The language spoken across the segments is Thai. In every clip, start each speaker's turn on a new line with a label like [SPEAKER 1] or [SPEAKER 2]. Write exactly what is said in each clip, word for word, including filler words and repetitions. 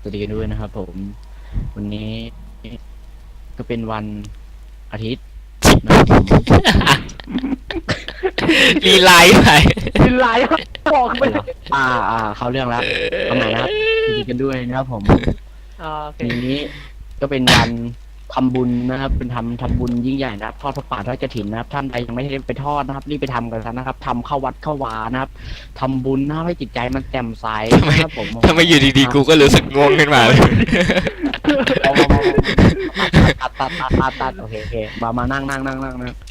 [SPEAKER 1] สวัสดีกันด้วยนะครับผมวันนี้ก็เป็นวันอาทิตย์นะครับผม
[SPEAKER 2] รีไลท์ไป
[SPEAKER 3] กินไหลบอกไปเลย
[SPEAKER 1] อ่าอ่าเขาเรื่องแล้วทำไมนะครับสวัสดีกันด้วยนะครับผม
[SPEAKER 3] อ่าโอเค
[SPEAKER 1] วันนี้ก็เป็นวันทำบุญนะครับ เป็นทำทำบุญยิ่งใหญ่นะครับทอดพระป่าทอดกฐินนะครับท่านใดยังไม่ได้ไปทอดนะครับรีบไปทำกันซะนะครับทำเข้าวัดเข้าวานะครับทำบุญนะครับให้จิตใจมันแจ่มใสนะครับผม
[SPEAKER 2] ทำไมอยู่ดีๆกูก็รู้สึกง่วงขึ้นมาเลย
[SPEAKER 1] เอามาตัดตัดตัดตัดตัดโอเคโอเคมามานั่งนั่งนั่งนั่งนะ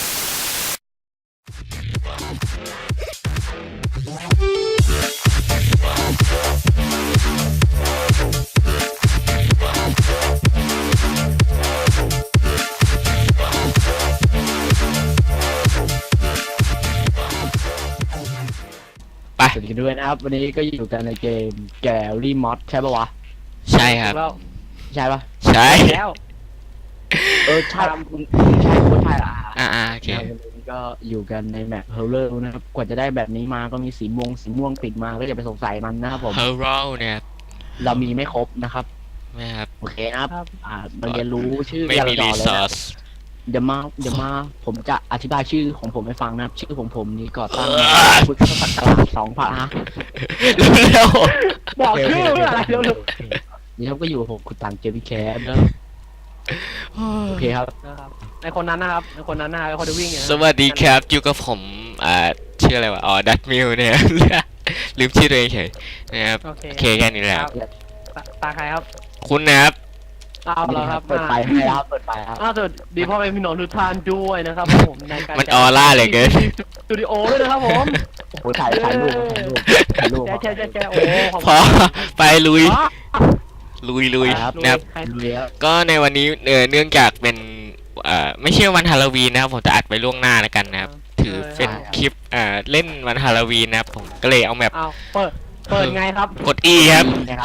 [SPEAKER 2] ไป
[SPEAKER 1] สวัสดีด้วยนะครับ วันนี้ก็อยู่กันในเกมแกลลี่มอสใช่ปะวะ
[SPEAKER 2] ใช่ครับ
[SPEAKER 3] แล้ว
[SPEAKER 1] ใช่ปะ
[SPEAKER 2] ใช่
[SPEAKER 3] แล้ว
[SPEAKER 1] เออใช่คุณคุณใช่คุณใช่อ่ะ
[SPEAKER 2] อ่าอ่าโอเค
[SPEAKER 1] วันนี้ก็อยู่กันในแมปเฮลเลอร์นะครับกว่าจะได้แบบนี้มาก็มีสีม่วงสีม่วงติดมาก็อย่าไปสงสัยมันนะครับผม
[SPEAKER 2] เฮอร์โรเนี่ย
[SPEAKER 1] เรามีไม่ครบนะครับ
[SPEAKER 2] นะครับ
[SPEAKER 1] โอเคนะครับ
[SPEAKER 3] ครับ
[SPEAKER 1] อ่ามาเรียนรู้ชื่อ
[SPEAKER 2] ไม่มี
[SPEAKER 1] ต่
[SPEAKER 2] รี
[SPEAKER 1] อเลย
[SPEAKER 2] ซอ
[SPEAKER 1] นะ
[SPEAKER 2] ส
[SPEAKER 1] เดี๋ยวมาเดี๋ยวมาผมจะอธิบายชื่อของผมให้ฟังนะครับ ชื่อของผมนี่ก่อตั้งพุทธศักราชสองพันฮะ
[SPEAKER 2] เร็ว
[SPEAKER 3] บอกชื่ออะไรเร็ว
[SPEAKER 1] นี่ครับก็อยู่กับผมคุณตังเจมี่แคสนะโอเคครับ
[SPEAKER 3] ๆนะครับในคนนั้นนะครับในคนนั้นนะในคนที่วิ่งอย่าง
[SPEAKER 2] ส
[SPEAKER 3] นั้น
[SPEAKER 2] วัสดีครับอยู่กับผมอ่าชื่ออะไรวะอ๋อดัตมิวเนี่ย ลืมชื่อตัวเองเฉยนะครับ
[SPEAKER 3] โอเค
[SPEAKER 2] โอเคแค่นี้แหละ
[SPEAKER 3] ครับตาตาใครครับ
[SPEAKER 2] คุณนะครับ
[SPEAKER 3] อ้าวเหรอครับ
[SPEAKER 1] เปิดไฟให้แล้วเปิดไฟครับ
[SPEAKER 3] อ้าวสวัสดีพ่อแม่พี่น้องทุกท่านด้วยนะครับผมในการ
[SPEAKER 2] มันออร่าเหลยเกิน
[SPEAKER 3] สตูดิโอด้วยนะครับผม
[SPEAKER 1] โอ้ยถ่ายถ่ายรูปถ่ายรูปถ่ายรูป
[SPEAKER 3] แจ๊แจ๊แจ๊โอ้ขอบ
[SPEAKER 2] พ
[SPEAKER 3] คุ
[SPEAKER 2] อ
[SPEAKER 3] ณ
[SPEAKER 2] ไปลุย
[SPEAKER 3] อ๋อ
[SPEAKER 2] ลุยลุย
[SPEAKER 1] ครับ
[SPEAKER 2] นะครับ
[SPEAKER 3] ใคร
[SPEAKER 1] ดูแล้ว
[SPEAKER 2] ก็ในวันนี้เอ่อเนื่องจากเป็นเอ่อไม่ใช่วันฮาโลวีนนะครับผมจะอัดไปล่วงหน้าแล้วกันนะครับถือเป็นคลิปเอ่อเล่นวันฮาโลวีนนะครับผมก็เลยเอาแบบ
[SPEAKER 3] อ้าวเปิดเปิดไงครับ
[SPEAKER 2] กด E ครับ
[SPEAKER 1] นะครับ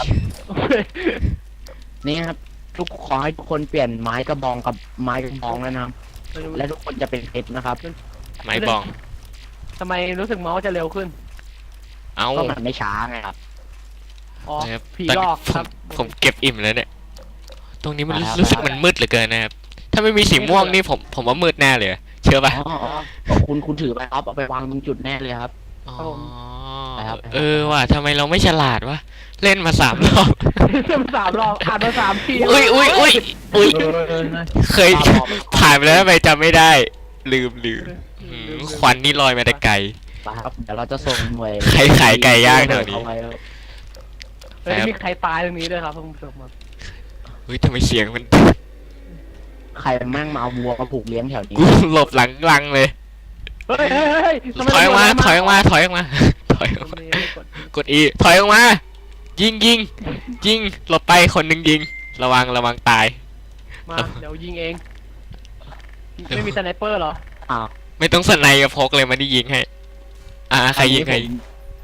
[SPEAKER 1] นี่ครับทุกขอให้ทุกคนเปลี่ยนไม้กระบองกับไม้กระบองแล้วนะครับและทุกคนจะเป็นเพชรนะครับ
[SPEAKER 2] ไม้บอง
[SPEAKER 3] ทำไมรู้สึกเมาส์จะเร็วขึ้น
[SPEAKER 2] เอ้า
[SPEAKER 1] ก็มันไม่ช้าไงครับ
[SPEAKER 3] อ๋อ
[SPEAKER 2] นะครับ
[SPEAKER 3] ผี
[SPEAKER 2] ตอน
[SPEAKER 3] หล
[SPEAKER 2] นี้
[SPEAKER 3] อก
[SPEAKER 2] ผ
[SPEAKER 3] ครั
[SPEAKER 2] ม
[SPEAKER 3] บ
[SPEAKER 2] ผมเก็บอิ่มแล้วเนี่ยตรงนี้มัน
[SPEAKER 1] ครับ
[SPEAKER 2] รู้สึกมันมืดเหลือเกินนะครับถ้าไม่มีสีม่วงนี่ผมผมว่ามืดแน่เลยเชื่อป่ะ
[SPEAKER 1] อ๋ออ๋อคุณคุณถือไปครับเอาไปวางตรงจุดแน่เลยครับ
[SPEAKER 2] อ๋อ
[SPEAKER 1] ครับ
[SPEAKER 2] เออว่ะทำไมเราไม่ฉลาดวะเล่นมาสามรอบ
[SPEAKER 3] เริ่มสามรอบอ่านมาสามที
[SPEAKER 2] อุ้ยอุ้ยอุ้ยอุ้ยเคยผ่านไปแล้วทำไมจำไม่ได้ ลืมลืมอืมควันนี่ลอยมาแต่ไกล
[SPEAKER 1] ครับเดี๋ยวเราจะส่งหน่วย
[SPEAKER 2] ใครขายไก่ย่างแถวนี้
[SPEAKER 1] เอาไครับ
[SPEAKER 3] เฮ้ยมีใครตายตรงนี้ด้วยครับคุณผู้ชมครับ
[SPEAKER 2] เฮ้ยทำไมเสียงมัน
[SPEAKER 1] ใครแม่งมาเอาวัวมาผูกเลี้ยงแถวนี้
[SPEAKER 2] กูหลบหลังลังเลย
[SPEAKER 3] เฮ้ยเฮ้ยเฮ้ยทำไ
[SPEAKER 2] ถอยออกมา
[SPEAKER 3] โดน
[SPEAKER 2] ถอยออกมา ถอยออกมา ถอยออก
[SPEAKER 3] ก
[SPEAKER 2] มา
[SPEAKER 3] ดนี่กด
[SPEAKER 2] กดอีถอยออกมา ยิงยิงยิงหลบไปคนหนึ่งยิง ระวังระวังตาย
[SPEAKER 3] มาเดี๋ยวยิงเอง ไม่มีสไนเปอร์เหรอ
[SPEAKER 1] อ้าว
[SPEAKER 2] ไม่ต้องสไนกับพกเลยมันได้ยิงให้ อ่าใครยิงใครยิง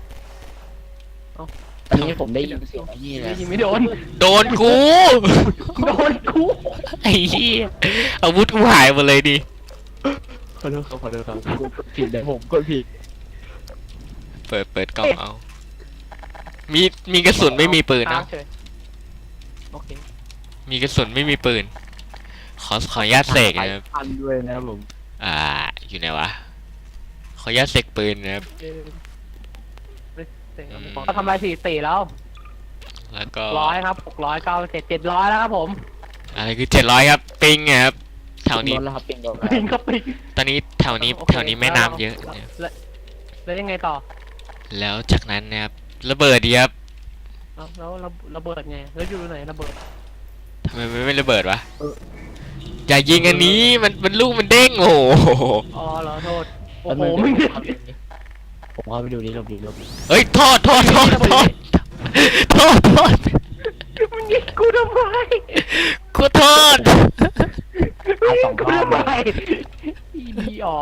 [SPEAKER 1] ตอนนี้ผมได้ยินเสียงไอ้นี่เลย
[SPEAKER 3] ยิงไม่โดน
[SPEAKER 2] โดนกู
[SPEAKER 3] โดนกู
[SPEAKER 2] ไอ้เหี้ยอาวุธกูหายหมดเลยดิ
[SPEAKER 1] ขอโทษครับขอโทษครับกูกดผิดเลยผมกดผิด
[SPEAKER 2] เปิดเปิดกล่องเอา มีมีกระสุนไม่มีปืน
[SPEAKER 3] ค้า
[SPEAKER 2] นะ
[SPEAKER 3] งเฉยโอเค
[SPEAKER 2] มีกระสุนไม่มีปืน ขอขออนุญาตเสกนะครับ
[SPEAKER 1] พันด้วยนะครับผม
[SPEAKER 2] อ่า อยู่ไหนวะ ขออนุญาตเสกปืนนะครับ
[SPEAKER 3] เออไม่เสร็จครับ
[SPEAKER 2] อืม
[SPEAKER 3] เขาทำลายสี่สี่แล้ว
[SPEAKER 2] แล้วก็
[SPEAKER 3] ร้อยครับหกร้อยเก้าเจ็ดเจ็ดร้อยแล้วครับผม
[SPEAKER 2] อะไรคือเจ็ดร้อยครับ ปิงอะครับแถวนี้
[SPEAKER 1] รถแล้วครับปิงโดน
[SPEAKER 3] ปิงก็ปิง
[SPEAKER 2] ตอนนี้แถวนี้
[SPEAKER 3] โอเค
[SPEAKER 2] แถวนี้แม่น้ำเยอะนะครับ
[SPEAKER 3] แล้วแล้วยังไงต่อ
[SPEAKER 2] แล้วจากนั้นนะครับระเบิดดีครับ
[SPEAKER 3] เอ้าแล้วระระเบิดไงแล้วอยู่ไหนระเบิด
[SPEAKER 2] ทำไมมันไม่ระเบิดวะอย่ายิงอันนี้มันมันลูกมันเด้งโอ้โห
[SPEAKER 3] อ๋อเหรอโทษโอ้
[SPEAKER 1] แล้ว
[SPEAKER 3] โห
[SPEAKER 1] มัน
[SPEAKER 3] มึง
[SPEAKER 1] ผมเข้าไปดูดิลบดิลบดิ
[SPEAKER 2] เฮ้ยโทษโทษโทษโทษโทษโทษ
[SPEAKER 3] มึงยิงกูทำไม
[SPEAKER 2] กูโทษ
[SPEAKER 3] มึงยิงกูทำไมอีดีออก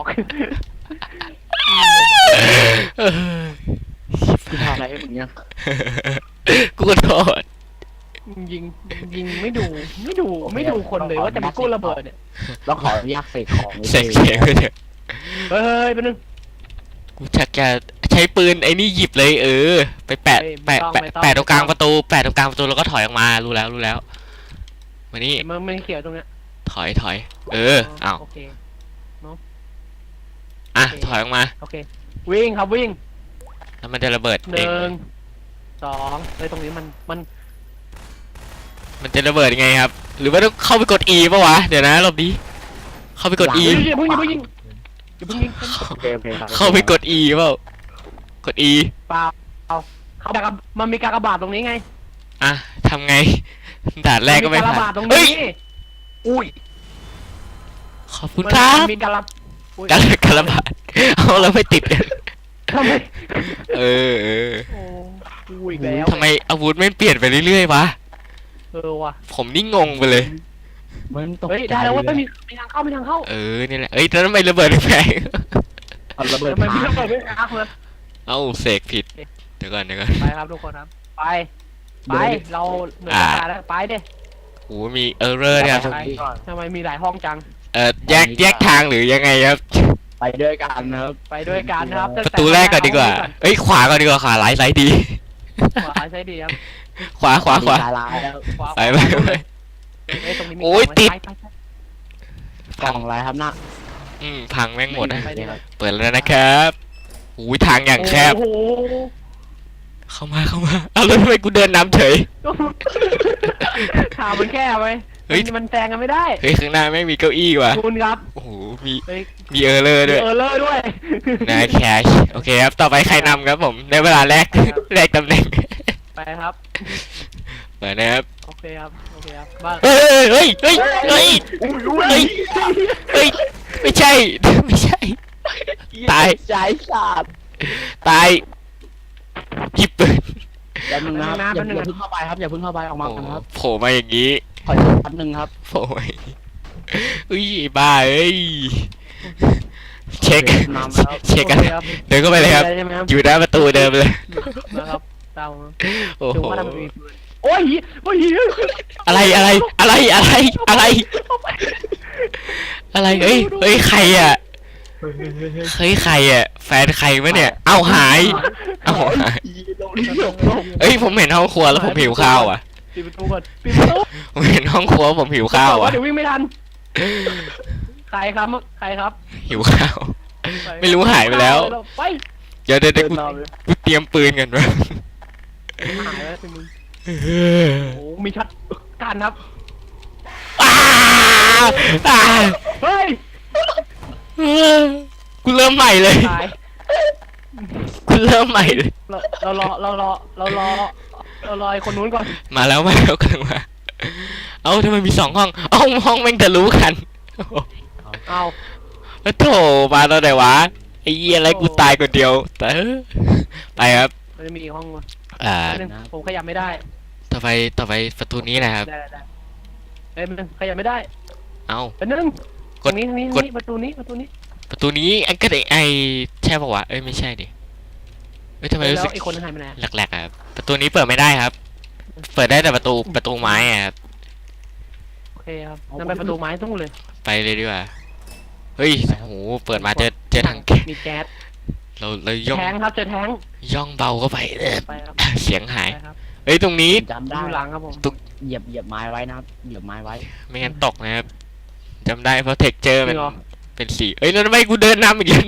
[SPEAKER 2] เออ
[SPEAKER 1] กูทำอะไรให้มึงเนี่ย
[SPEAKER 2] กูโทษ
[SPEAKER 3] มึงยิงยิงไม่ดูไม่ดูไม่ดูคนเลยว่าจะมากู้ระเบิดเนี่ย
[SPEAKER 1] เราขออนุญาตเสกของนิด
[SPEAKER 2] เส
[SPEAKER 1] นึ
[SPEAKER 2] ก
[SPEAKER 1] ง
[SPEAKER 2] เสียงไปเถอะ
[SPEAKER 3] เฮ้ยไปบนึง
[SPEAKER 2] กูชักจะใช้ปืนไอ้นี่หยิบเลยเออ ไปแปะแปะแปะแปะตรงกลางประตูแปะตรงกลางประตูแล้วก็ถอยออกมารู้แล้วรู้แล้วมานี่
[SPEAKER 3] มันมันเขียวตรงเนี้ย
[SPEAKER 2] ถอยถอย เอออ้าว
[SPEAKER 3] โอเค
[SPEAKER 2] อ่ะ
[SPEAKER 3] โอเค
[SPEAKER 2] ถอยออกมา
[SPEAKER 3] โอเค วิ่งครับวิ่ง
[SPEAKER 2] แล้วมันจะระเบิด
[SPEAKER 3] ห
[SPEAKER 2] เอง
[SPEAKER 3] นึ่งสองเลยตรงนี้มันมัน
[SPEAKER 2] มันจะระเบิดยังไงครับ หรือว่าต้องเข้าไปกด E ป่ะวะเดี๋ยวนะรอบนี้เข้าไปกด E
[SPEAKER 3] อย่าเพิ่งอย่าเพิ่งยิงอย่าเพิ่งยิง
[SPEAKER 1] โอเคโอเคครับ
[SPEAKER 2] เข้าไปกด E เปล่ากด E
[SPEAKER 3] เปล่าเอาเขาดักมันมีการกระบาดตรงนี้ไง
[SPEAKER 2] อ่ะทำไงด่านแรกก็ไม่
[SPEAKER 3] นการ
[SPEAKER 2] ผ่า
[SPEAKER 3] ระบาด
[SPEAKER 2] น
[SPEAKER 3] ตรง
[SPEAKER 2] เฮ้
[SPEAKER 3] นี้
[SPEAKER 2] ย
[SPEAKER 3] อุ้ย
[SPEAKER 2] ขอบคุณครับ
[SPEAKER 3] มันมีการระอุ๊ย
[SPEAKER 2] การการระบาดเอาแล้วไม่ติดกัน
[SPEAKER 3] ทำไม
[SPEAKER 2] เออเออ
[SPEAKER 3] โอ้อุ้ยอีกแล้ว
[SPEAKER 2] ทำไมอาวุธไม่เปลี่ยนไปเรื่อยๆวะ
[SPEAKER 3] เออว่ะ
[SPEAKER 2] ผมนี่งงไปเลย
[SPEAKER 1] มันตก
[SPEAKER 3] เฮ้ย
[SPEAKER 1] ใจ
[SPEAKER 3] ได้แล้วเว่า
[SPEAKER 1] เลย
[SPEAKER 3] มีมีทางเข้ามีทางเข้า
[SPEAKER 2] เออนี่แหละเอ้ยแล้วทำไมระเบิดแพง
[SPEAKER 1] เอาระเบิด
[SPEAKER 3] ทำไมมี
[SPEAKER 1] ค้าง
[SPEAKER 3] ระเบิดไม่ค้างเลย
[SPEAKER 2] เอ้าเสกผิดเดี๋ยวก่อนเดี๋ยวก่อน
[SPEAKER 3] ไปครับทุกคนครับ ไป ไป เราเหนื่อย
[SPEAKER 2] อ่า
[SPEAKER 3] ตายแล้ว ไปเด้
[SPEAKER 2] โอ้มีเออร์เรอร์เนี่ย
[SPEAKER 3] ไปทำไมมีหลายห้องจัง
[SPEAKER 2] เออแยกแยกทางหรือยังไงครับ
[SPEAKER 1] ไปด้วยกันนะครับ
[SPEAKER 3] ไปด้วยกันนะครับ
[SPEAKER 2] ประตูแรกก่อนดีกว่า เอ้ยขวาก่อนดีกว่าขวาไลท์ไลท์ดี
[SPEAKER 3] ขวาใช่ดีครับ
[SPEAKER 2] ขวาขวาขวา
[SPEAKER 1] มีลายแล้ว
[SPEAKER 3] ขวา
[SPEAKER 2] ไปไปไป
[SPEAKER 3] เอ้ยตรงนี้มี
[SPEAKER 2] โอ้ย
[SPEAKER 3] กล่งไหม
[SPEAKER 2] ติด
[SPEAKER 3] ไปไปไป
[SPEAKER 1] กล่องอะไรครับน่ะ
[SPEAKER 2] อืมพังแม่งหมดนะ
[SPEAKER 3] ไปดิครับ
[SPEAKER 2] เปิดแล้วนะครับอุ้ยทางอย่างแคบ
[SPEAKER 3] โอ้โห
[SPEAKER 2] เข้ามาเข้ามาเอาแล้วทำไมกูเดินนำเฉย
[SPEAKER 3] ถามมันแค่ไหม
[SPEAKER 2] เฮ้ย
[SPEAKER 3] มันแซงกันไม่ได้
[SPEAKER 2] เฮ้ยข้างหน้าไม่มีเก้าอี้ว่ะ
[SPEAKER 3] คุณครับ
[SPEAKER 2] โอ้โหมี
[SPEAKER 3] เฮ้ย
[SPEAKER 2] มีเออร์เลอร์ด้วย
[SPEAKER 3] เออเลอร์ด้วย
[SPEAKER 2] นายแคชโอเคครับต่อไปใครนำครับผมในเวลาแรก
[SPEAKER 3] ครับ
[SPEAKER 2] แรกตำแหน่ง
[SPEAKER 3] ไปครับ
[SPEAKER 2] เปิดนะครับ
[SPEAKER 3] โอเคครับ โอเคครับบ้าน
[SPEAKER 2] เฮ้ยเฮ้ยเฮ้ยเฮ้ยเฮ้ยเฮ้ยไม่ใช่ไม่ใช่ ตาย
[SPEAKER 1] ใจขาด
[SPEAKER 2] ตายหยิบปืน
[SPEAKER 1] แป๊บนึงนะครับอย่าอย่าเพิ่งเข้าไปครับอย่าเพิ่งเข้าไปออกมา
[SPEAKER 2] โอ้
[SPEAKER 1] ก่อนครับ
[SPEAKER 2] โผล่มาอย่างนี้
[SPEAKER 1] ขออีกแป๊บนึงครับ
[SPEAKER 2] โผล่มาอย่างนี้อุ้ยบ้าเอ้ยเช็ค
[SPEAKER 1] นำแล้ว
[SPEAKER 2] เช็คกัน
[SPEAKER 3] โอคครับ
[SPEAKER 2] เดินเข้าไปเลยครับ
[SPEAKER 3] ใช่ไหมครับ
[SPEAKER 2] อยู่หน้าประตูเดิมเลย
[SPEAKER 3] นะครับเตา
[SPEAKER 2] โอ้
[SPEAKER 3] ดู
[SPEAKER 2] โห
[SPEAKER 3] ว่าทำไมมีปืนโอ้ยโอ้ย
[SPEAKER 2] อะไรอะไรอะไรอะไรอะไรอะไรเอ้ยเอ้ยใครอ่ะเฮ้ยใครอ่ะแฟนใครวะเนี่ยเอ้าหายเอ้าหาย
[SPEAKER 1] ลงลงลง
[SPEAKER 2] เอ้ยผมเห็นห้องครัวแล้วผมหิวข้าวอ่ะ
[SPEAKER 3] ปิดประตูก่อนปิดประตู
[SPEAKER 2] ผมเห็นห้องครัวผมหิวข้าวอ่ะ
[SPEAKER 3] เดี๋ยววิ่งไม่ทันใครครับใครครับ
[SPEAKER 2] หิวข้าว ไม่รู้หายไปแล้ว
[SPEAKER 3] ไป
[SPEAKER 2] เดี๋ยวเดี๋ยวเดี๋ยวกู
[SPEAKER 1] เดินนำเลย
[SPEAKER 2] กูเตรียมปืนกันวะ
[SPEAKER 3] หายแล้วสิมึงโอ้มีช็อตการครับ
[SPEAKER 2] อ้าอ้า
[SPEAKER 3] เฮ้ย
[SPEAKER 2] กูเริ่มใหม่เลย
[SPEAKER 3] ตาย
[SPEAKER 2] กูเริ่มใหม่เลย
[SPEAKER 3] เราเรารอเรารอเรารอเรารอไอ้คนนู้นก่อน
[SPEAKER 2] มาแล้วมาแล้วกำลังมาเอ้าทำไมมีสองห้องเอ้าห้องแม่งทะลุกัน
[SPEAKER 3] เอา
[SPEAKER 2] โอ้โถมาตอนไหนวะไอ้เหี้ยอะไรกูตายคนเดียวแต่เออไปครับ
[SPEAKER 3] มันจะมีอีกห้องวะ
[SPEAKER 2] อ่า
[SPEAKER 3] แป๊บนึงผมขยับไม่ได้
[SPEAKER 2] ต่อไปต่อไปประตูนี้นะครับ
[SPEAKER 3] ได้ได้ได้เอ้ยมันขยับไม่ได้
[SPEAKER 2] เอ้า
[SPEAKER 3] เป็นนึง
[SPEAKER 2] ก
[SPEAKER 3] ตร
[SPEAKER 2] ด
[SPEAKER 3] งนี้ตรงนี้
[SPEAKER 2] กด
[SPEAKER 3] นี่ประตูนี้ประตูนี้
[SPEAKER 2] ประตูนี้ไอ้ก็ได้ไอ้ใช่ปะวะเอ้ยไม่ใช่ดิเอ้ยทำไมรู้
[SPEAKER 3] แล้
[SPEAKER 2] สึ
[SPEAKER 3] ว
[SPEAKER 2] ก
[SPEAKER 3] ไอ้คนนั้นหายไปไหน
[SPEAKER 2] แหลกๆอะครับประตูนี้เปิดไม่ได้ครับ เปิดได้แต่ประตูประตูไม้อะครับ
[SPEAKER 3] โอเคครับนั่นไปประตูไม้ตู้เลย
[SPEAKER 2] ไปเลยดีกว่าเฮ้ยโอ้โหเปิดมาเจอเจอถังแก๊ส
[SPEAKER 3] มีแก๊ส
[SPEAKER 2] เราเราย่อง
[SPEAKER 3] แทงครับเจอแทง
[SPEAKER 2] ย่องเบาเข้าไปเออ
[SPEAKER 3] ไปครับ
[SPEAKER 2] เสียงหาย
[SPEAKER 3] ไปครับ
[SPEAKER 2] เฮ้ยตรงนี้
[SPEAKER 1] จำ
[SPEAKER 3] อ
[SPEAKER 1] ได้
[SPEAKER 3] ยู่หลังครับผม
[SPEAKER 1] เหยียบเหยียบไม้ไว้นะครับเหยียบไม้ไว้
[SPEAKER 2] ไม่งั้นตกนะครับจำได้เพราะเท็กเจอร์
[SPEAKER 3] จ
[SPEAKER 2] มั
[SPEAKER 3] ริ
[SPEAKER 2] น
[SPEAKER 3] งเหรอ
[SPEAKER 2] เป็นสีเอ้ยแล้วทำไมกูเดินนำอีกแล้ว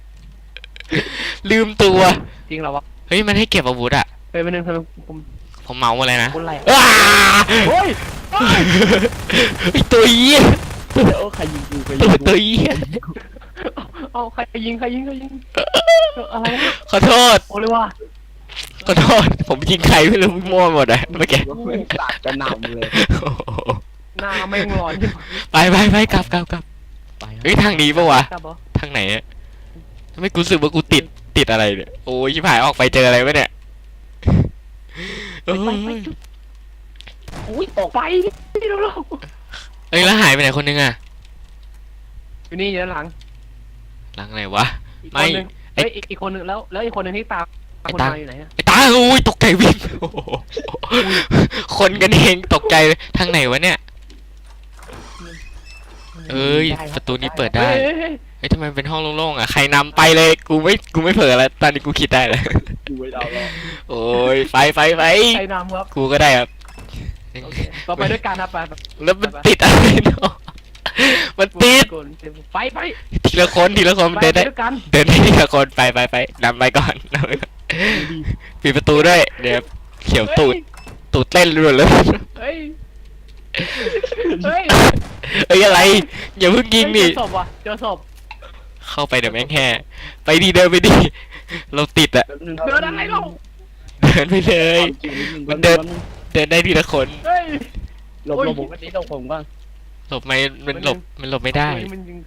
[SPEAKER 2] ลืมตัว
[SPEAKER 3] จริงเหรอวะ
[SPEAKER 2] เฮ้ยมันให้เก็บอาวุธอะ
[SPEAKER 3] เฮ้ยเป็นนึงทำไมผม
[SPEAKER 2] ผมเมาอะไรนะ
[SPEAKER 3] คนไร
[SPEAKER 2] อ้า
[SPEAKER 3] เฮ้ย
[SPEAKER 2] ไอตัวเหี้ย
[SPEAKER 1] เดี๋ยวใครยิงกูใครยิ
[SPEAKER 2] ตัว
[SPEAKER 1] งกู
[SPEAKER 2] ตัวเหี้ย
[SPEAKER 3] เอาใครยิงใครยิงใครยิงอะไรนะ
[SPEAKER 2] ขอโทษ
[SPEAKER 3] โอ้เลยว่ะ
[SPEAKER 2] ขอโทษผมยิงใครไม่รู้มั่วหมดอะเมื่อกี้
[SPEAKER 1] ว่าไม่ตัดกระหน่ำเลย
[SPEAKER 2] โอ้โห
[SPEAKER 3] หน้าไม่งร้อนขึ้น
[SPEAKER 2] ไปไปไปกลับกลับกลับ
[SPEAKER 1] ไปครับ
[SPEAKER 2] เฮ้ยทางนี้ปะวะ
[SPEAKER 3] ครับบอ
[SPEAKER 2] ทางไหนอะทำไมกูรู้สึกว่ากูติดติดอะไรเนี่ยโอ้ยชิบหายออกไปเจออะไรวะเนี่ยโอ้
[SPEAKER 3] ไปไป
[SPEAKER 2] ย
[SPEAKER 3] อุ้ยออกไปนี่เร็ว
[SPEAKER 2] เอ้ยแล้วหายไปไหนคนนึงอะ
[SPEAKER 3] ๆอยู่นี่อยู่ด้านหลัง
[SPEAKER 2] หลังไหนวะ
[SPEAKER 3] อีก
[SPEAKER 2] ไม่
[SPEAKER 3] คนนึงเฮ้ยอีกอีกคนนึงแล้วแล้วอีกคนนึงที่ตาม
[SPEAKER 2] ไอ้
[SPEAKER 3] คน
[SPEAKER 2] ตาม
[SPEAKER 3] มาอยู่ไหนอะ
[SPEAKER 2] ไอ้ตาโอ้ยตกใจวิ่งโอ้โหคนกันเองตกใจเลยทางไหนวะเนี่ยเอ้ยประตูนี้เปิดได้
[SPEAKER 3] เฮ้ยเฮ้ยเฮ้ย
[SPEAKER 2] เฮ้ยทำไมมันเป็นห้องโล่งๆอ่ะใครนำไปเลยกูไม่กูไม่เผลอแล้วตอนนี้กูคิดได้แล้ว
[SPEAKER 1] ดูไว้เราแล้ว
[SPEAKER 2] โอ้ยไฟไฟไฟ
[SPEAKER 3] ใครนำครับ
[SPEAKER 2] กูก็ได้ครับ
[SPEAKER 3] โอเคเราไปด้วยกันครับไปไป
[SPEAKER 2] แล้วมันติดอะไรเนาะมันติด
[SPEAKER 3] ไปไป
[SPEAKER 2] ทีละคนทีละคน
[SPEAKER 3] ไป
[SPEAKER 2] เดิน
[SPEAKER 3] ไป
[SPEAKER 2] ได้
[SPEAKER 3] ด้วยกัน
[SPEAKER 2] เดินได้ทีละคนไปไปไปนำไปก่อนนำไปก่อนปิดประตูด้วยเดี๋ยวเขียวตูดตูดเต้นรัวเลย
[SPEAKER 3] เฮ้ยเฮ้ย
[SPEAKER 2] เอ้ยอะไรอย่าเพิ่งยิงดิ
[SPEAKER 3] เจอศพว่ะเจอศพ
[SPEAKER 2] เข้าไปเดี๋ยวแม่งแห่ไปดีเดินไปดิเราติดอะ
[SPEAKER 3] เดินอะไรเรา
[SPEAKER 2] เดินไปเลย มันเดิน เดินได้ทีละคน
[SPEAKER 3] เฮ้ย
[SPEAKER 1] หลบหลบผมกันนี้หลบผมก่อน
[SPEAKER 2] หลบไม่มันหลบมันหลบไม่ได้
[SPEAKER 3] มันยิง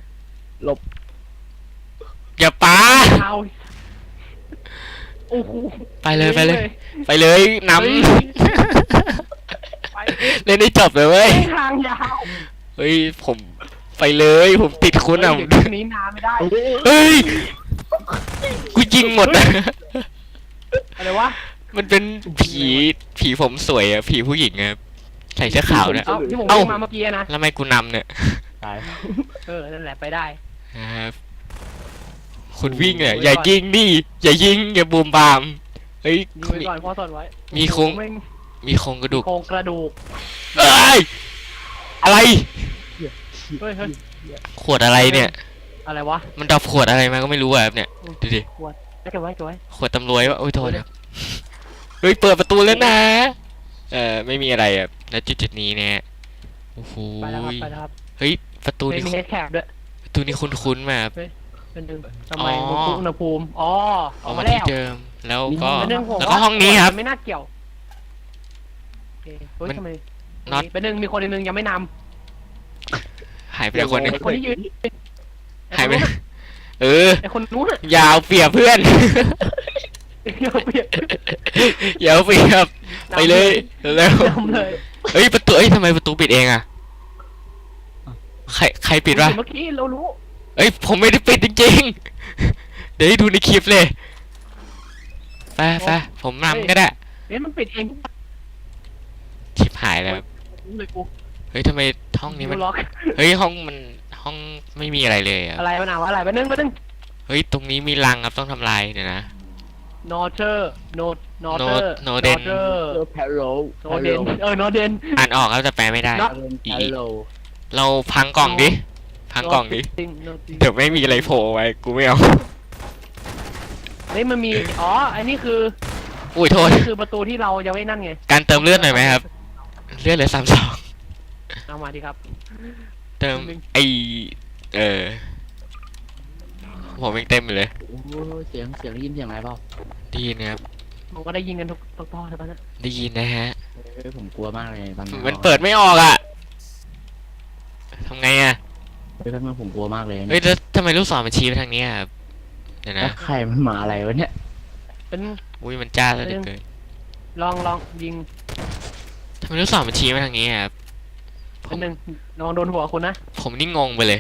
[SPEAKER 2] อย่าปา
[SPEAKER 3] เอาโอ้โห
[SPEAKER 2] ไปเลยไปเลย ไปเลยน
[SPEAKER 3] เฮ้ย
[SPEAKER 2] ำ
[SPEAKER 3] ไป
[SPEAKER 2] เล่นได้จบเลยเว้ย
[SPEAKER 3] ทางยาว
[SPEAKER 2] เฮ้ยผมไปเลยผมติดคุณอ่ะ
[SPEAKER 3] เดี๋ยวเรื่องนี้นานไม่ได้
[SPEAKER 2] เฮ้ยกูยิงหมดอะ
[SPEAKER 3] อะไรวะ
[SPEAKER 2] มันเป็นผีผีผมสวยอะผีผู้หญิงอะใส่เสื้อขาวเนี่ย
[SPEAKER 3] เอาที่ผม
[SPEAKER 2] เอ้า
[SPEAKER 3] วิ่งมาเมื่อกี้นะ
[SPEAKER 2] แล้วทำไมกูนำเนี่ย
[SPEAKER 1] ตาย
[SPEAKER 3] เออนั่นแหละไปได้
[SPEAKER 2] ครับคุณวิ่งเนี่ยอย่ายิงดิอย่ายิงอย่าบูมบามเฮ้ย
[SPEAKER 3] ยิงไว้ก่อนพ่อสอนไว้
[SPEAKER 2] มีโครง
[SPEAKER 3] ไม่
[SPEAKER 2] มีโครงกระดูก
[SPEAKER 3] โครงกระดูก
[SPEAKER 2] เอ้ยอะไร
[SPEAKER 3] เฮ้ยเฮ้ย
[SPEAKER 2] ขวดอะไรเนี่ย
[SPEAKER 3] อะไรวะ
[SPEAKER 2] มันดับขวดอะไรมาก็ไม่รู้อะครับเนี่ยดูดิ
[SPEAKER 3] ขวดเก็บไว้เก็บไว้
[SPEAKER 2] ขวดตำรวจวะโอ้ยโทษครับเฮ้ยเปิดประตูแล้วนะเออไม่มีอะไรอ่ะณจุดจุดนี้เนี่ยโอ้โห
[SPEAKER 3] ไปแล้วครับไปแล้วครับ
[SPEAKER 2] เฮ้ยประตู
[SPEAKER 3] ไม่
[SPEAKER 2] นี้
[SPEAKER 3] มีเฮดแคปด้วย
[SPEAKER 2] ประตูนี้คุ้นๆมาครับ
[SPEAKER 3] เป็นหนึ่งทำไม
[SPEAKER 2] อ๋อ
[SPEAKER 3] อุณหภูมิอ๋ออ
[SPEAKER 2] อ
[SPEAKER 3] อ
[SPEAKER 2] อก ก
[SPEAKER 3] มา
[SPEAKER 2] มา
[SPEAKER 3] แล้
[SPEAKER 2] ที่
[SPEAKER 3] ว
[SPEAKER 2] เดิมแล้วก็
[SPEAKER 3] เป็นหนึ่งผม
[SPEAKER 2] แล้วก็ห้องนี้ครับ
[SPEAKER 3] ไม่น่าเกี่ยวโอเคเฮ้ย
[SPEAKER 2] มัน
[SPEAKER 3] ทำไม
[SPEAKER 2] น็อต
[SPEAKER 3] เป็นหนึ่งมีคนหนึ่งยังไม่น
[SPEAKER 2] หายไปแล้วคนหนึง
[SPEAKER 3] ำไอ้คนที่ยืน
[SPEAKER 2] หายไปเออ
[SPEAKER 3] ไอ้คนนู้นอะ
[SPEAKER 2] อยาวเปรียบเพื่อน
[SPEAKER 3] เดี๋ยวเปลี่ยน
[SPEAKER 2] อยาวเปรียบไปเลยแล้ว
[SPEAKER 3] นำเลย
[SPEAKER 2] เฮ้ยประตูเอ้ยทำไมประตูปิดเองอะใครใครปิดวะ
[SPEAKER 3] เมื่อกี้เรารู้
[SPEAKER 2] เอ้ยผมไม่ได้ปิดจริงๆเดี๋ยวให้ดูในคลิปเลยไปไปผมนำก็ได้
[SPEAKER 3] เอ๊ะมันปิดเองทุก
[SPEAKER 2] ชิบหายแล้ว
[SPEAKER 3] เลยกู
[SPEAKER 2] เฮ้ยทำไมห้องนี้มัน
[SPEAKER 3] ล็อก
[SPEAKER 2] เฮ้ยห้องมันห้องไม่มีอะไรเลยอ่ะ
[SPEAKER 3] อะไรวะนาวะอะไรไปนึงไปนึง
[SPEAKER 2] เฮ้ยตรงนี้มีรังครับต้องทำลายเดี๋ยวนะ
[SPEAKER 3] นอเทอร์โนนอเทอร์
[SPEAKER 2] No- Noden
[SPEAKER 3] เทอร์
[SPEAKER 1] เออแพโร
[SPEAKER 3] โนเดนเออโนเดน
[SPEAKER 2] อ่านออกครับแต่แปลไม่ได้
[SPEAKER 1] แพโร
[SPEAKER 2] เราพังกล่องดิ พังกล่องดิ
[SPEAKER 3] จริง no จริง
[SPEAKER 2] เดี๋ยวไม่มีอะไรโผล่ไว้ กูไม่เอา
[SPEAKER 3] เฮ้ยมันมีอ๋ออันนี้คือ
[SPEAKER 2] อุ้ยโทษ
[SPEAKER 3] นี่คือประตูที่เรายังไม่นั่นไง
[SPEAKER 2] การเติมเลือดหน่อยไหมครับ เลือดเหลือสามสอง
[SPEAKER 3] เอามาดิครับ
[SPEAKER 2] เติมไอเออ ผมยังเต็มอยู่เลย
[SPEAKER 1] โอ้เสียงเสียงได้ยินเสียงอะไรเปล่า
[SPEAKER 2] ได้ยินนะครับ
[SPEAKER 3] ผมก็ได้ยินกันทุกทุกตอนเลยปะเนี่ย
[SPEAKER 2] ได้ยินนะฮะ
[SPEAKER 1] เฮ้ยผมกลัวมากเลยตอนนี้
[SPEAKER 2] มันเปิดไม่ออกอ่ะทำไงอ่ะ
[SPEAKER 1] เฮ้ยแป๊บนึงผมกลัวมากเลย
[SPEAKER 2] เฮ้ยแล้วทำไมลูกศรมันชี้ไปทางนี้อะครับเดี๋ยว
[SPEAKER 1] แล้
[SPEAKER 2] นะ
[SPEAKER 1] วใครมันมาอะไรวะเนี่ย
[SPEAKER 3] เป็น
[SPEAKER 2] อุ้ยมันจ้าแล้วเหลือเกิน
[SPEAKER 3] ลองลองยิง
[SPEAKER 2] ทำไมลูกศรมันชี้ไปทางนี้อะครับผ
[SPEAKER 3] เป็น
[SPEAKER 2] ม
[SPEAKER 3] หนึ่งลองโดนหัวคุณนะ
[SPEAKER 2] ผมนี่งงไปเลย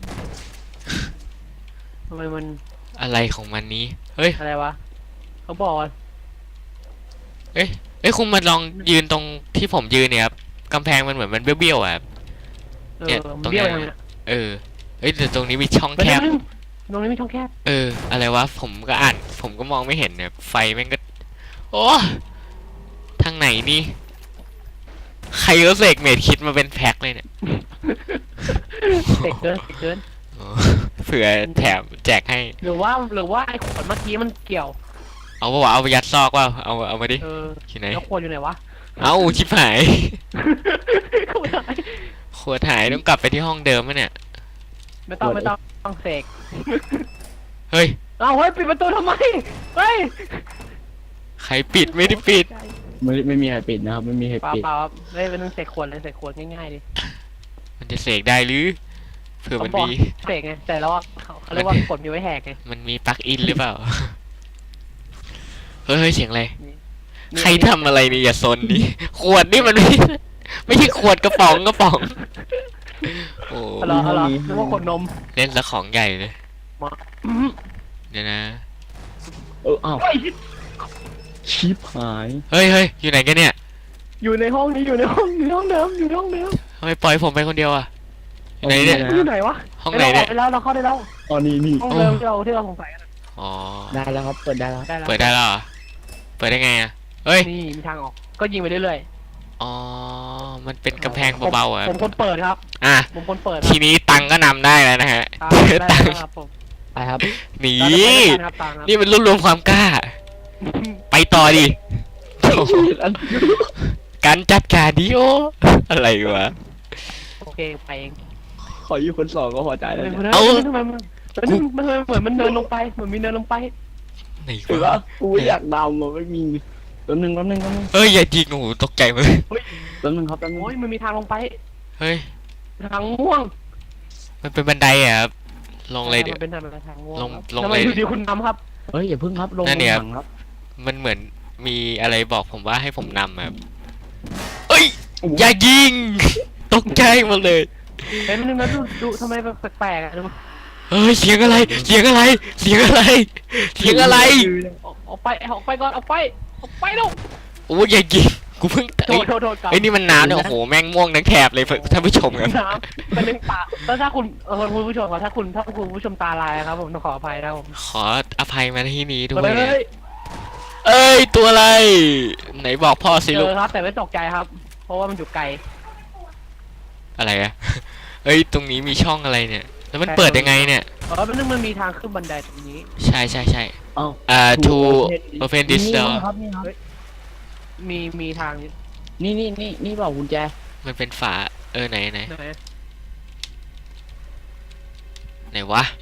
[SPEAKER 3] ทำไมมัน
[SPEAKER 2] อะไรของมันนี้ เฮ้ย
[SPEAKER 3] อะไรวะเขาบอกว่า
[SPEAKER 2] เอ้ยคุณมาลองยืนตรงที่ผมยืนเนี่ยครับกำแพงมันเหมือนมันเบี้ยวๆอ่ะครับ
[SPEAKER 3] เอ
[SPEAKER 2] เนี่
[SPEAKER 3] อย
[SPEAKER 2] ต
[SPEAKER 3] มั
[SPEAKER 2] ร
[SPEAKER 3] น
[SPEAKER 2] งเนี้
[SPEAKER 3] เบี้ย
[SPEAKER 2] ย
[SPEAKER 3] วยังไง
[SPEAKER 2] เออเอ้ยแต่ตรงนี้มีช่อง
[SPEAKER 3] เป็น
[SPEAKER 2] แค
[SPEAKER 3] ห
[SPEAKER 2] บ
[SPEAKER 3] นึ่งตรงนี้มีช่องแคบ
[SPEAKER 2] เออ อะไรวะ ผมก็อ่าน ผมก็มองไม่เห็นเนี่ย ไฟแม่งก็ โอ้ ทางไหนนี่ ใครก็เสกเมดคิดมาเป็นแพ็คเลยเนี่ย
[SPEAKER 3] เด็กเกินเด็กเกิน
[SPEAKER 2] โอ้เผื่อแถมแจกให้
[SPEAKER 3] หรือว่าหรือว่าไอ้ขวดเมื่อกี้มันเกี่ยว
[SPEAKER 2] เอาปะวะเอาไปยัดซอกว่าเอาเอามาดิ
[SPEAKER 3] เออ
[SPEAKER 2] ที่ไหน
[SPEAKER 3] แล้วขวดอยู่ไหนวะ
[SPEAKER 2] เอาชิบหาย
[SPEAKER 3] ขวดไหน
[SPEAKER 2] ขวดหายต้องกลับไปที่ห้องเดิมมะเนี่ย
[SPEAKER 3] ไม่ต้องไม่ต้องต้องเสก
[SPEAKER 2] เฮ้ย
[SPEAKER 3] เอาเฮ้ยปิดประตูทำไมเฮ้ย
[SPEAKER 2] ใครปิดไม่ได้ปิด
[SPEAKER 1] ไม่ไม่มีใครปิดนะครับไม่มีใคร
[SPEAKER 3] เปล่า
[SPEAKER 1] ปิด
[SPEAKER 3] เปล่าครับเฮ้ยเป็นเรื่องเสกขวดเลยเสกขวดง่ายๆดิ
[SPEAKER 2] มันจะเสกได้หรือ เผื่อ
[SPEAKER 3] เขา
[SPEAKER 2] มัน
[SPEAKER 3] บอก
[SPEAKER 2] มี
[SPEAKER 3] เสกไงแต่แล้วว่าเขาเขาเรียกว่ากดมีไว้แหกไง
[SPEAKER 2] มันมีปลั๊กอินหรือเปล่า เฮ้ยเฮ้ยเสียงอะไร
[SPEAKER 3] นี่
[SPEAKER 2] ใครทำอะไรนี่อย่าซนดิ ขวดนี่มันไม่ ไม่ใช่ขวดกระป๋องกระป๋อง โอ้
[SPEAKER 3] เอาเหรอเอาเหรอนึกว่าขวดนม
[SPEAKER 2] เล่นละของใหญ่เลย
[SPEAKER 3] อื้อ
[SPEAKER 2] เดี๋ยวนะ
[SPEAKER 1] เอออ้าว
[SPEAKER 3] เฮ้ย
[SPEAKER 1] ชิปหาย
[SPEAKER 2] เฮ้ยเฮ้ยอยู่ไหนกันเนี่ย
[SPEAKER 3] อยู่ในห้องนี้อยู่ในห้องอยู่ในห้องเดิมอยู่ในห้องเดิม
[SPEAKER 2] ทำไมปล่อยผมไปคนเดียวอ่ะไหนเนี่ย
[SPEAKER 3] มันอยู่ไหนวะ
[SPEAKER 2] ห้องไหนเนี่ย
[SPEAKER 3] เราออกไปแล้วเราเข้าได้แล้ว
[SPEAKER 1] อ๋อนี่นี่
[SPEAKER 3] ห้องเดิมที่เราที่เราสงสัยกันอะ
[SPEAKER 2] อ๋อ
[SPEAKER 1] ได้แล้วครับเปิดได้แล้ว
[SPEAKER 3] ได้แล้ว
[SPEAKER 2] เปิดได้แล้วเหรอเปิดได้ไงอ่ะเฮ้ย
[SPEAKER 3] นี่มีทางออกก็ยิงไปเรื่อย
[SPEAKER 2] อ๋อมันเป็นกำแพงเบาๆ
[SPEAKER 3] ๆ
[SPEAKER 2] อ่ะ
[SPEAKER 3] ผมคนเปิดครับ
[SPEAKER 2] อ่ะ
[SPEAKER 3] ผมคนเปิดค
[SPEAKER 2] ที
[SPEAKER 3] รับ
[SPEAKER 2] นี้ตังก็นำได้แล้วนะฮะ
[SPEAKER 3] ครับได้
[SPEAKER 2] ตัง
[SPEAKER 3] แล้วครับผม
[SPEAKER 1] ไปครับ
[SPEAKER 2] หนี
[SPEAKER 3] เราจะไปด้วยกันครับตังครับ
[SPEAKER 2] นี่มันรวบรวมความกล้า ไปต่อดิการจัดการดิโออะไรวะ
[SPEAKER 3] โอเคไปเอง
[SPEAKER 1] ขออยู่คนสองก็พอใจแล้ว
[SPEAKER 3] เฮ้ย
[SPEAKER 1] เนี่ย
[SPEAKER 2] เอา
[SPEAKER 3] ทำไมมันเฮ้ยมันเหมือนมันเดินลงไปเหมือนมีเดินลงไป
[SPEAKER 2] ไหน
[SPEAKER 1] ถือ
[SPEAKER 2] วะ
[SPEAKER 1] ว่ากูอยากดำมันไม่มีแป๊บนึงแป๊บนึงแป๊บนึง
[SPEAKER 2] เอ้ยอย่ายิงโอ้โหตกใจหมดเลย
[SPEAKER 1] แป๊บนึงครับแป๊บนึง
[SPEAKER 3] โอ้ยมันมีทางลงไป
[SPEAKER 2] เฮ้ย
[SPEAKER 3] ทางม่วง
[SPEAKER 2] มันเป็นบันไดอ่ะครับลงเลยเดี๋ยว
[SPEAKER 3] มันเป็นทางทางม่วง
[SPEAKER 2] ลง
[SPEAKER 3] ครับ
[SPEAKER 2] ลง
[SPEAKER 3] ทำไม
[SPEAKER 2] เลย
[SPEAKER 3] อยู่ดีคุณนำครับ
[SPEAKER 1] เฮ้ยอย่าพึ่งครับลง
[SPEAKER 2] นั่นเนี่ย
[SPEAKER 1] หลังครับ
[SPEAKER 2] มันเหมือนมีอะไรบอกผมว่าให้ผมนำอะครับเอ้ยอย่ายิง ตกใจหมดเลย
[SPEAKER 3] เห็นมันนึงนะดูดูทำไมแบบแปลกๆอ่ะดู
[SPEAKER 2] เฮ้ยเสียงอะไร เสียงอะไร เสียงอะไร เสียงอะไร
[SPEAKER 3] ออกออกไปออกไปก่อนออกไปออกไปลูก
[SPEAKER 2] โอ้ยอย่ายิงกูเพิ่ง
[SPEAKER 3] โทษโทษโทษกลับ
[SPEAKER 2] ไอ้ยนี่มันน้ำเนี่ยโอ้โหแม่งม่วงทั้งแถบเลยท่านผู้ชมครับ
[SPEAKER 3] น้ำเป็นเรื่องตาแล้วถ้าคุณเออคุณผู้ชมครับถ้าคุณถ้าคุณผู้ชมตาลายครับผมต้องขออภัยนะครับผม
[SPEAKER 2] ขออภัยมาที่นี้ด้ว
[SPEAKER 3] มาย เลย
[SPEAKER 2] เอ้ยตัวอะไร ไหนบอกพ่อสิ
[SPEAKER 3] เจ
[SPEAKER 2] ลูก
[SPEAKER 3] อครับแต่ไม่ตกใจครับ เพราะว่ามันอยู่ไกล
[SPEAKER 2] อะไรอะ เอ้ยตรงนี้มีช่องอะไรเนี่ย แล้วมันเปิดยังไงเนี่ย
[SPEAKER 3] เออมันนึงมันมีทางขึ้นบันไดตรงนี้
[SPEAKER 2] ใช่ใช่ใช่
[SPEAKER 1] เอ้า
[SPEAKER 2] อ่า to
[SPEAKER 1] To
[SPEAKER 2] open this
[SPEAKER 1] นี่
[SPEAKER 2] door
[SPEAKER 1] ครับนี่ครับ
[SPEAKER 3] มีมีทาง
[SPEAKER 1] นี่นี่นี่นี่เปล่ากุญแจ
[SPEAKER 2] มันเป็นฝาเออไหนไหน
[SPEAKER 3] ไหน
[SPEAKER 2] ไหนวะ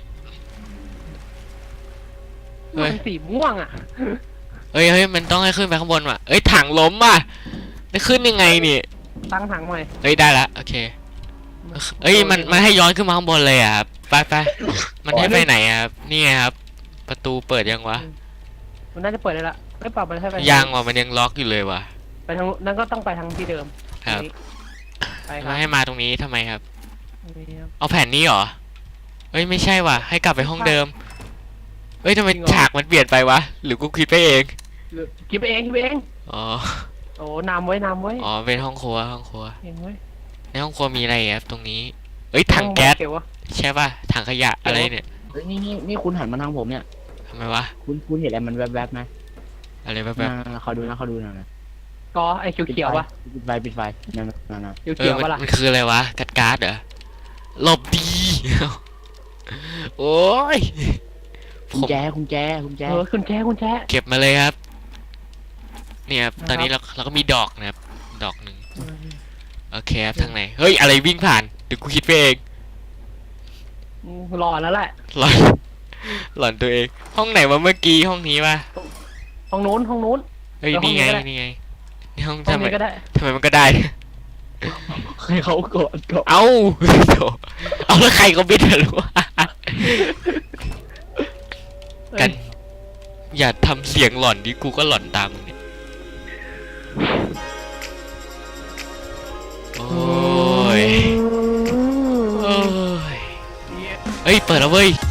[SPEAKER 2] เฮ้ย
[SPEAKER 3] มันสีม่วงอ่ะ
[SPEAKER 2] เอ้ยเฮ้ยมันต้องให้ขึ้นไปข้างบนว่ะเอ้ยถังล้มว่ะได้ขึ้นยังไงนี่
[SPEAKER 3] ตั้งถังใหม่
[SPEAKER 2] เอ้ยได้ละโอเคเอ้ยมันมันให้ย้อนขึ้นมาข้างบนเลยอ่ะครับไปไปมันให้ไปไหนอ่ะครับนี่ไงครับ ประตูเปิดยังวะ
[SPEAKER 3] มันน่าจะเปิดได้ละไม่ปรับมันให้ไป
[SPEAKER 2] ยังว่ะมันยังล็อกอยู่เลยว่ะ
[SPEAKER 3] ไปทางนั้นก็ต้องไปทางที่เดิม
[SPEAKER 2] ครับ
[SPEAKER 3] นี่ไปค
[SPEAKER 2] แล้
[SPEAKER 3] รั
[SPEAKER 2] ว
[SPEAKER 3] บ
[SPEAKER 2] ให้มาตรงนี้ทำไมครับ
[SPEAKER 3] นี่ครับ
[SPEAKER 2] เอาแผ่นนี้เหรอเอ้ยไม่ใช่ว่ะให้กลับไปห้องเดิมเอ้ยทำไม
[SPEAKER 3] จริงเหรอ
[SPEAKER 2] ฉากมันเปลี่ยนไปวะหรือกูคิดไปเอง
[SPEAKER 3] คิดไปเองคิดไปเอง
[SPEAKER 2] อ๋อ
[SPEAKER 3] โอ้นำไว้นำไว้
[SPEAKER 2] อ๋อเป็นห้องครัวห้องครัว
[SPEAKER 3] เองไว้
[SPEAKER 2] ในห้องครัวมีอะไรครับตรงนี้ เอ้ยถังแก๊ส
[SPEAKER 3] เก็บวะ
[SPEAKER 2] ใช่ป่ะถังขยะอะไรเนี่ย
[SPEAKER 1] เฮ้ยนี่นี่นี่คุณหันมาทางผมเนี่ย
[SPEAKER 2] ทำไมวะ
[SPEAKER 1] คุณคุณเห็นอะไรมันแวบๆไหม
[SPEAKER 2] อะไรแบบ
[SPEAKER 1] อ่าเขาดูนะเขาดูนะ
[SPEAKER 3] ก็ไอ้เขียวเขียวๆปะ
[SPEAKER 1] ปิดไฟปิดไฟนั่นนั่นนั่น
[SPEAKER 3] เขียว
[SPEAKER 2] เอ
[SPEAKER 3] เขี
[SPEAKER 2] อ
[SPEAKER 3] ยว
[SPEAKER 2] มัน
[SPEAKER 3] ปะล่ะ
[SPEAKER 2] มันคืออะไรวะกัดการ์ดเหรอหลบดี โอ้ยผ
[SPEAKER 1] กุญ
[SPEAKER 2] ม
[SPEAKER 1] แจกุญแจกุญแจ
[SPEAKER 3] เออคุณแจ๊คุณแจ๊
[SPEAKER 2] เก็บมาเลยครับเนี่ยครับ
[SPEAKER 3] นะครับ
[SPEAKER 2] ตอนนี้เราเราก็มีดอกนะครับ ดอกหนึ่งโอเคครับทางไหนเฮ้ยอะไรวิ่งผ่านเดี๋ยวกูคิดไปเอง
[SPEAKER 3] รอแล้วแหละ
[SPEAKER 2] หลอนหลอนตัวเอง ห้องไหนวะเมื่อกี้ห้องนี้ป่ะ
[SPEAKER 3] ห้องนู้นห้องนู้น
[SPEAKER 2] เฮ้ย
[SPEAKER 3] แล้วห้อง
[SPEAKER 2] นี่ไง
[SPEAKER 3] นี้ก็ได้
[SPEAKER 2] นี่ไงนี่ห้อง
[SPEAKER 3] ห้อง
[SPEAKER 2] ทำไม
[SPEAKER 3] นี้ก็ได้
[SPEAKER 2] ทำไมมันก็ได้
[SPEAKER 1] ให้เขากดกด
[SPEAKER 2] เอ้าโถเอาแล้วใครก็บิดรู้วะกัน อย่าทำเสียงหลอนดิกูก็หลอนตามมึงเนี่ยโอ้ยโอ้ยเฮ้ยเปิดแล้วเว้ย